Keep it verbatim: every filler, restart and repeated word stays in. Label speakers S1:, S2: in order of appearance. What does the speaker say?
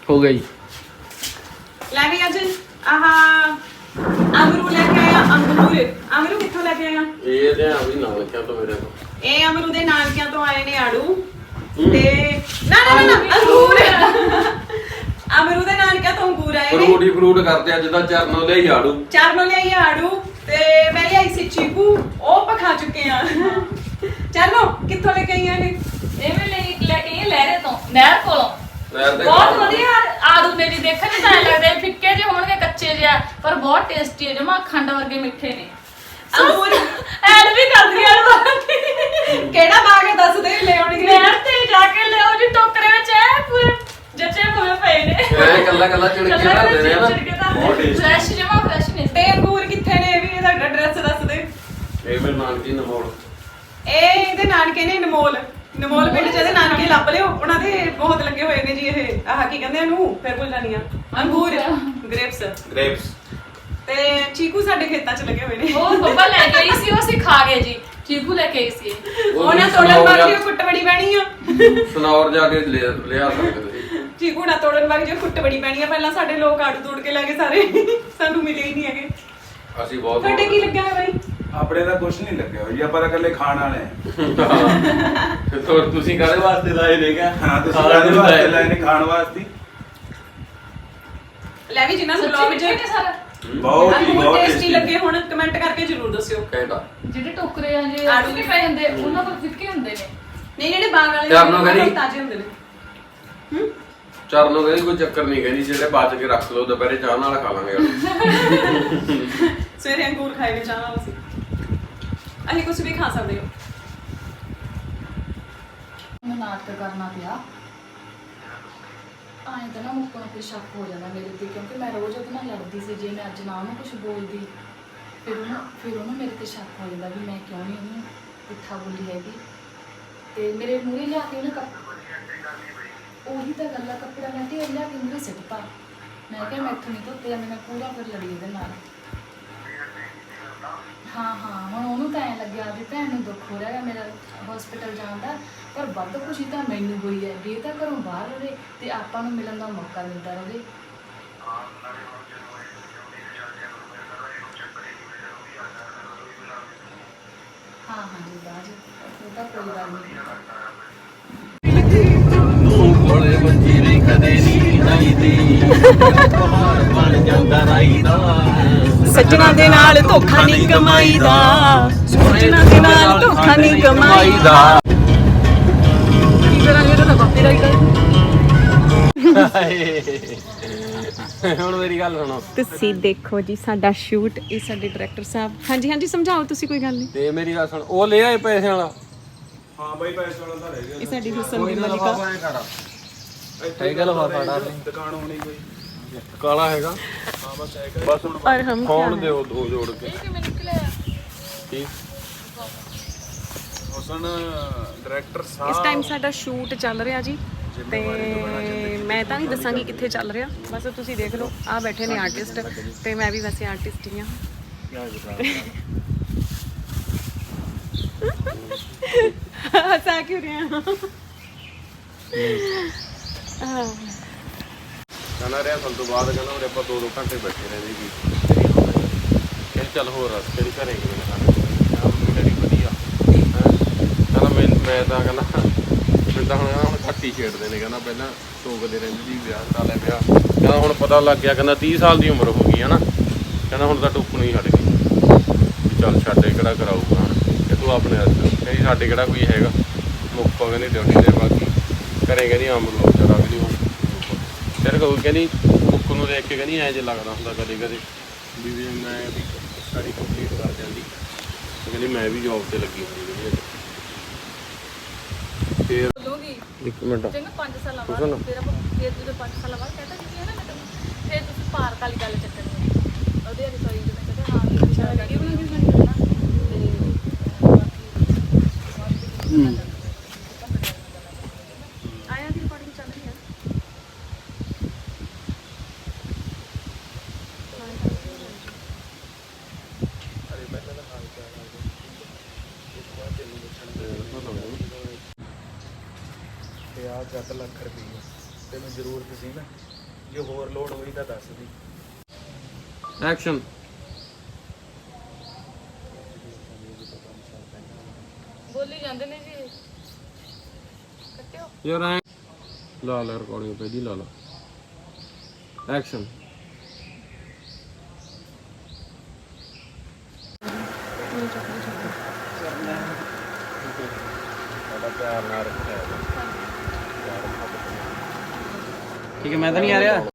S1: ਹੋ ਗਈ
S2: ਲੈ ਵੀ ਅੱਜ ਆਹ ਅਮਰੂ ਲੈ ਕੇ ਆਇਆ ਅੰਗੂਰ ਅਮਰੂ ਕਿੱਥੋਂ ਲੈ ਕੇ ਆਇਆ
S1: ਇਹ ਤੇ ਆ ਵੀ ਨਾਲ ਕਿਆ ਤੋਂ ਮੇਰੇ ਤੋਂ
S2: ਇਹ ਅਮਰੂ ਦੇ ਨਾਨਕਿਆਂ ਤੋਂ ਆਏ ਨੇ ਆੜੂ ਤੇ ਨਾ ਨਾ ਨਾ ਅੰਗੂਰ ਅਮਰੂ ਦੇ ਨਾਨਕਿਆਂ ਤੋਂ ਅੰਗੂਰ ਆਏ ਨੇ
S1: ਫਰੂਟ ਹੀ ਫਰੂਟ ਕਰਦੇ ਅੱਜ ਦਾ ਚਰਨੋਂ ਲਿਆਈ ਆੜੂ
S2: ਚਰਨੋਂ ਲਿਆਈ ਆੜੂ ਤੇ ਮੈਂ ਲਿਆਈ ਸੀ ਚੀਕੂ ਉਹ ਪਖਾ ਚੁੱਕੇ ਆ ਚਰਨੋਂ ਕਿੱਥੋਂ ਲੈ ਕੇ ਆਈਆਂ ਨੇ
S3: ਇਹ ਵੀ ਲੈ ਲੈ ਕੇ ਆਏ ਲਹਿਰੇ ਤੋਂ ਨਹਿਰ ਕੋਲੋਂ
S1: ਨਹਿਰ ਦੇ
S3: ਬਹੁਤ ਵਧੀਆ ਆੜੂ ਨੇ ਜੀ ਦੇਖਣ ਨੂੰ ਤਾਂ ਐਂ ਲੱਗਦੇ ਫਿੱਕੇ ਜਿਹੇ ਹੋਣਗੇ ਕੱਚੇ ਜਿਹਾ ਪਰ ਬਹੁਤ ਟੇਸਟੀ ਹੈ ਜਮਾ ਖੰਡ ਵਰਗੇ ਮਿੱਠੇ ਨੇ
S2: ਅੰਗੂਰ
S3: ਐਡ ਵੀ ਕਰਦੀ ਆੜੂ
S2: ਕਿਹੜਾ ਬਾਗ ਹੈ ਦੱਸ ਦੇ ਲੈ ਆਉਣਗੇ
S3: ਨਹਿਰ ਤੇ ਜਾ ਕੇ ਲਿਆਓ ਜੀ ਟੋਕਰੇ ਵਿੱਚ ਐ ਪੂਰੇ ਜੱਚੇ ਹੋਏ ਪਏ ਨੇ
S1: ਇਹ ਕੱਲਾ ਕੱਲਾ ਚਿੜਕੇ ਰੱਖਦੇ ਨੇ ਨਾ ਬਹੁਤ ਟੇਸਟੀ
S3: ਫਰੈਸ਼ ਜਮਾ ਫਰੈਸ਼ ਨੇ
S2: ਤੇ ਅੰਗੂਰ ਕਿੱਥੇ ਨੇ ਇਹ ਵੀ ਇਹਦਾ ਐਡਰੈਸ ਦੱਸ ਦੇ
S1: ਇਹ ਮੇਰੇ ਨਾਨਕੀ ਨਮੋੜ
S2: ਇਹ ਇਹਦੇ ਨਾਨਕੇ ਨੇ ਨਮੋਲ ਨਮੋਲ ਪਿੰਡ ਚ ਇਹਦੇ ਨਾਨਕੇ ਲੱਭ ਲਿਓ ਉਹਨਾਂ ਦੇ ਬਹੁਤ ਲੱਗੇ ਹੋਏ ਨੇ ਜੀ ਇਹ ਆਹ ਕੀ ਕਹਿੰਦੇ ਇਹਨੂੰ ਫਿਰ ਭੁੱਲ ਜਾਨੀ ਆ ਅੰਗੂਰ ਗ੍ਰੇਪਸ
S1: ਗ੍ਰੇਪਸ
S2: ਤੇ ਚੀਕੂ ਸਾਡੇ ਖੇਤਾਂ ਚ ਲੱਗੇ ਹੋਏ ਨੇ
S3: ਉਹ ਬੱਬਾ ਲੈ ਕੇ ਆਈ ਸੀ ਉਹ ਅਸੀਂ ਖਾ ਗਏ ਜੀ ਚੀਕੂ ਲੈ ਕੇ ਆਈ ਸੀ
S2: ਉਹਨਾਂ ਤੋੜਨ ਵਾਲੀ ਕੁੱਟ ਬੜੀ ਪੈਣੀ ਆ
S1: ਸਨੌਰ ਜਾ ਕੇ ਲਿਆ ਲਿਆ ਸਕਦੇ ਸੀ
S2: ਚੀਕੂ ਨਾ ਤੋੜਨ ਵਾਲੀ ਜੋ ਕੁੱਟ ਬੜੀ ਪੈਣੀ ਆ ਪਹਿਲਾਂ ਸਾਡੇ ਲੋਕ ਆੜੂ ਤੋੜ ਕੇ ਲੈ ਗਏ ਸਾਰੇ ਸਾਨੂੰ ਮਿਲੇ ਹੀ ਨਹੀਂ ਹੈਗੇ
S1: ਅਸੀਂ ਬਹੁਤ
S2: ਤੁਹਾਡੇ ਕੀ ਲੱਗਿਆ ਹੋਇਆ ਬਾਈ
S4: ਆਪਣੇ ਦਾ ਕੁਝ ਨਹੀਂ ਲੱਗਿਆ ਹੋਈ ਆਪਾਂ ਤਾਂ ਇਕੱਲੇ ਖਾਣ ਵਾਲੇ ਆ
S1: ਤੋ ਤੁਸੀਂ ਕਾਹਦੇ ਵਾਸਤੇ ਲਾਏ ਨੇ ਕਿਆ
S4: ਹਾਂ ਤੁਸੀਂ ਕਾਹਦੇ ਵਾਸਤੇ ਲਾਏ ਨੇ ਖਾਣ ਵਾਸਤੇ
S2: ਲੈ ਵੀ ਜਿਨ੍ਹਾਂ ਨੂੰ ਬਲੌਗ
S3: ਸੱਚੀ
S2: ਚ
S3: ਮਿੱਠੇ ਸਾਰਾ
S4: ਬਹੁਤ ਹੀ
S2: ਬਹੁਤ
S4: ਬਹੁਤ
S2: ਟੇਸਟੀ
S4: ਟੇਸਟੀ
S2: ਲੱਗੇ ਹੁਣ ਕਮੈਂਟ ਕਰਕੇ ਜ਼ਰੂਰ ਦੱਸਿਓ
S1: ਕਹਿੰਦਾ
S3: ਜਿਹੜੇ ਟੋਕਰੇ ਆ ਜੇ
S2: ਆੜੂ
S3: ਆੜੂ ਵੀ ਪਏ ਹੁੰਦੇ ਉਹਨਾਂ ਕੋਲ ਫਿੱਕੇ ਹੁੰਦੇ ਨੇ
S2: ਨਹੀਂ ਜਿਹੜੇ ਬਾਗ ਵਾਲੇ
S1: ਚਰਨੋਂ ਕਹਿੰਦੀ-
S2: ਤਾਜ਼ੇ ਹੁੰਦੇ ਨੇ ਹੂੰ
S1: ਚਰਨੋਂ ਕਹਿੰਦੀ ਕੋਈ ਚੱਕਰ ਨਹੀਂ ਕਹਿੰਦੀ ਜਿਹੜੇ ਬਾਅਦ ਕੇ ਰੱਖ ਲਓ ਦੁਪਹਿਰੇ ਚਾਹ ਨਾਲ ਖਾ ਲਾਂਗੇ
S2: ਸਵੇਰੇ ਅੰਗੂਰ ਖਾਏ ਨੇ ਚਾਹ ਨਾਲ ਅਸੀਂ ਅਸੀਂ ਕੁਝ ਵੀ ਖਾ ਸਕਦੇ ਹੋ
S3: ਮੈਂ ਨਾਟਕ ਕਰਨਾ ਪਿਆ ਆਏ ਤਾਂ ਨਾ ਮੁੱਕਣ ਤੇ ਸ਼ੱਕ ਹੋ ਜਾਂਦਾ ਮੇਰੇ ਤੇ ਕਿਉਂਕਿ ਮੈਂ ਰੋਜ਼ ਉਹਦੇ ਨਾਲ ਲੜਦੀ ਸੀ ਜੇ ਮੈਂ ਅੱਜ ਨਾ ਉਹਨੂੰ ਕੁਝ ਬੋਲਦੀ ਫਿਰ ਉਹਨੂੰ ਫਿਰ ਉਹਨੂੰ ਮੇਰੇ ਤੇ ਸ਼ੱਕ ਹੋ ਜਾਂਦਾ ਵੀ ਮੈਂ ਕਿਉਂ ਨਹੀਂ ਉਹਨੂੰ ਪੁੱਠਾ ਬੋਲੀ ਹੈਗੀ ਤੇ ਮੇਰੇ ਮੂਹਰੇ ਲਿਆ ਕੇ ਉਹਨੇ ਕੱਪ ਉਹੀ ਤਾਂ ਗੱਲ ਆ ਕੱਪੜਾ ਮੈਂ ਤੇ ਲਿਆ ਕੇ ਮੂਹਰੇ ਸਿੱਟਤਾ ਮੈਂ ਕਿਹਾ ਮੈਥੋਂ ਨਹੀਂ ਧੋਤੇ ਜਾਂਦੇ ਮੈਂ ਪੂਰਾ ਫਿਰ ਲੜੀ ਇਹਦੇ ਨਾਲ ਹਾਂ ਹਾਂ ਹੁਣ ਉਹਨੂੰ ਤਾਂ ਐਂ ਲੱਗਿਆ ਵੀ ਭੈਣ ਨੂੰ ਦੁੱਖ ਹੋ ਰਿਹਾ ਹੈ ਮੇਰਾ ਹਸਪੀਟਲ ਜਾਣ ਦਾ ਪਰ ਵੱਧ ਖੁਸ਼ੀ ਤਾਂ ਮੈਨੂੰ ਹੋਈ ਹੈ ਵੀ ਇਹ ਤਾਂ ਘਰੋਂ ਬਾਹਰ ਰਹੇ ਤੇ ਆਪਾਂ ਨੂੰ ਮਿਲਣ ਦਾ ਮੌਕਾ ਦਿੰਦਾ ਰਹੇ ਹਾਂ ਹਾਂ ਜੀ ਬਾਜ ਉਹ ਤਾਂ ਕੋਈ ਗੱਲ ਨਹੀਂ
S5: ਤੂੰ ਕੋਲੇ ਬੱਜੀ ਨਹੀਂ ਕਦੇ ਨਹੀਂ ਆਈਦੀ ਪਹਾੜ ਬਣ ਜਾਂਦਾ ਰਾਈਦਾ
S2: ਸੱਜਣਾ ਦੇ ਨਾਲ ਧੋਖਾ ਨਹੀਂ ਕਮਾਈਦਾ ਸੱਜਣਾ ਦੇ ਨਾਲ ਧੋਖਾ ਨਹੀਂ ਕਮਾਈਦਾ ਕੀ ਕਰਾਂਗੇ ਤਾਂ ਕਾਪੀਰਾਈਟ
S1: ਹੁਣ ਮੇਰੀ ਗੱਲ ਸੁਣੋ
S2: ਤੁਸੀਂ ਦੇਖੋ ਜੀ ਸਾਡਾ ਸ਼ੂਟ ਇਹ ਸਾਡੇ ਡਾਇਰੈਕਟਰ ਸਾਹਿਬ ਹਾਂਜੀ ਹਾਂਜੀ ਸਮਝਾਓ ਤੁਸੀਂ ਕੋਈ ਗੱਲ ਨਹੀਂ
S1: ਤੇ ਮੇਰੀ ਗੱਲ ਸੁਣ ਉਹ ਲੈ ਆਏ ਪੈਸੇ ਵਾਲਾ
S4: ਹਾਂ ਬਾਈ ਪੈਸੇ ਵਾਲਾ ਤਾਂ ਰਹਿ ਗਿਆ
S2: ਇਹ ਸਾਡੀ ਹੁਸਨ ਦੀ ਮਲਿਕਾ
S1: ਹੈਗਾ ਲਫਾਫਾ ਡਾਲ
S4: ਦੁਕਾਨ ਹੋਣੀ ਕੋਈ
S1: ਕਾਲਾ ਹੈਗਾ
S4: ਹਾਂ ਬਸ ਹੈਗਾ
S1: ਬਸ ਹੁਣ
S2: ਔਰ ਹਮ
S1: ਫੋਨ ਦਿਓ ਦੋ ਜੋੜ ਕੇ
S3: ਇਹ ਕਿਵੇਂ ਨਿਕਲਿਆ
S1: ਠੀਕ
S4: ਹੁਸਨ ਡਾਇਰੈਕਟਰ
S2: ਇਸ
S4: ਸਾਹਿਬ
S2: ਟਾਈਮ ਸਾਡਾ ਸ਼ੂਟ ਚੱਲ ਰਿਹਾ ਜੀ ਤੇ ਮੈਂ ਤਾਂ ਨਹੀਂ ਦੱਸਾਂਗੀ ਕਿੱਥੇ ਚੱਲ ਰਿਹਾ ਬਸ ਤੁਸੀਂ ਦੇਖ ਲਓ ਆ ਬੈਠੇ ਨੇ ਆਰਟਿਸਟ ਤੇ ਮੈਂ ਵੀ ਵੈਸੇ ਆਰਟਿਸਟ ਹੀ ਹਾਂ ਹੱਸਾ ਕਿਉਂ ਰਿਹਾ
S1: ਕਹਿੰਦਾ ਰਿਹਾ ਸਾਨੂੰ ਤੋਂ ਬਾਅਦ ਕਹਿੰਦਾ ਉਰੇ ਆਪਾਂ ਦੋ ਦੋ ਘੰਟੇ ਬੈਠੇ ਰਹਿੰਦੇ ਜੀ ਕਹਿੰਦਾ ਚੱਲ ਹੋਰ ਰਸਤੇ ਦੀ ਘਰੇ ਗਏ ਨਾ ਮੇਰੀ ਵਧੀਆ ਕਹਿੰਦਾ ਮੈਂ ਮੈਂ ਤਾਂ ਕਹਿੰਦਾ ਮੈਨੂੰ ਤਾਂ ਹੁਣ ਹੁਣ ਘੱਟ ਹੀ ਛੇੜਦੇ ਨੇ ਕਹਿੰਦਾ ਪਹਿਲਾਂ ਟੋਕਦੇ ਰਹਿੰਦੇ ਜੀ ਵਿਆਹ ਕਰਾ ਲੈ ਵਿਆਹ ਕਹਿੰਦਾ ਹੁਣ ਪਤਾ ਲੱਗ ਗਿਆ ਕਹਿੰਦਾ ਤੀਹ ਸਾਲ ਦੀ ਉਮਰ ਹੋ ਗਈ ਹੈ ਨਾ ਕਹਿੰਦਾ ਹੁਣ ਤਾਂ ਟੋਕਣੋਂ ਹੀ ਹਟ ਗਈ ਵੀ ਚੱਲ ਛੱਡ ਕਿਹੜਾ ਕਰਾਊਗਾ ਕਿ ਤੂੰ ਆਪਣੇ ਹੱਥ ਕਹਿੰਦੀ ਸਾਡੇ ਕਿਹੜਾ ਕੋਈ ਹੈਗਾ ਮੁੱਕ ਪਵੇ ਨਹੀਂ ਡਿਊਟੀ ਦੇ ਬਾਕੀ ਘਰੇ ਕਹਿੰਦੀ ਅੰਬ ਲੋ ਜਰਾ ਵੀ ਨਹੀਂ ਫਿਰ ਕਹੂ ਕਹਿੰਦੀ ਮੁੱਕ ਨੂੰ ਦੇਖ ਕੇ ਕਹਿੰਦੀ ਐਂ ਜੇ ਲੱਗਦਾ ਹੁੰਦਾ ਕਦੇ ਕਦੇ ਵੀ ਵੀ ਮੈਂ ਵੀ ਸਾਡੀ ਕੰਪਲੀਟ ਕਰ ਜਾਂਦੀ ਕਹਿੰਦੀ ਮੈਂ ਵੀ ਜੌਬ ਤੇ ਲੱਗੀ ਹੋਈ ਹਾਂ ਫਿਰ
S3: ਬੋਲੂਗੀ
S1: ਇੱਕ ਮਿੰਟ
S3: ਚੰਗਾ ਪੰਜ ਸਾਲਾਂ ਬਾਅਦ ਫਿਰ ਆਪਾਂ ਫਿਰ ਜਦੋਂ ਪੰਜ ਸਾਲਾਂ ਬਾਅਦ ਕਹਿੰਦਾ ਜੀ ਹੈ ਨਾ ਮੈਂ ਤੈਨੂੰ ਫਿਰ ਤੁਸੀਂ ਪਾਰਕ ਵਾਲੀ ਗੱਲ ਚੱਕਣੀ ਹੈ ਉਹਦੇ ਵਾਲੀ ਸੌਰੀ ਜਿਵੇਂ ਕਹਿੰਦਾ ਹਾਂ ਵੀ ਅੱਛਾ ਵੀਡੀਓ ਬਣਾਉਣੀ ਹੈ ਨਾ ਤੇ ਆਇਆ ਦੀ ਰਿਕਾਰਡਿੰਗ ਚੱਲ ਰਹੀ ਹੈ
S4: ਤੇ ਆ ਜੱਟ ਲੱਖ ਰੁਪਏ ਤੇ
S5: ਤੈਨੂੰ ਜ਼ਰੂਰਤ ਸੀ ਨਾ, ਜੇ ਹੋਰ ਲੋੜ ਹੋਈ ਤਾਂ ਦੱਸ ਦੀ।
S1: ਐਕਸ਼ਨ।
S3: ਬੋਲੀ ਜਾਂਦੇ ਨੇ ਜੀ, ਕੱਟਿਓ।
S1: ਯਾਰ ਐ ਲਾ ਲੈ ਰਿਕਾਰਡਿੰਗ ਪਹਿਲੀ ਲਾ ਲਾ। ਐਕਸ਼ਨ। ਸਾਡਾ ਪਿਆਰ ਨਾਲ ਰੱਖਿਆ
S5: ਠੀਕ ਹੈ, ਮੈਂ ਤਾਂ ਨਹੀਂ ਆ ਰਿਹਾ।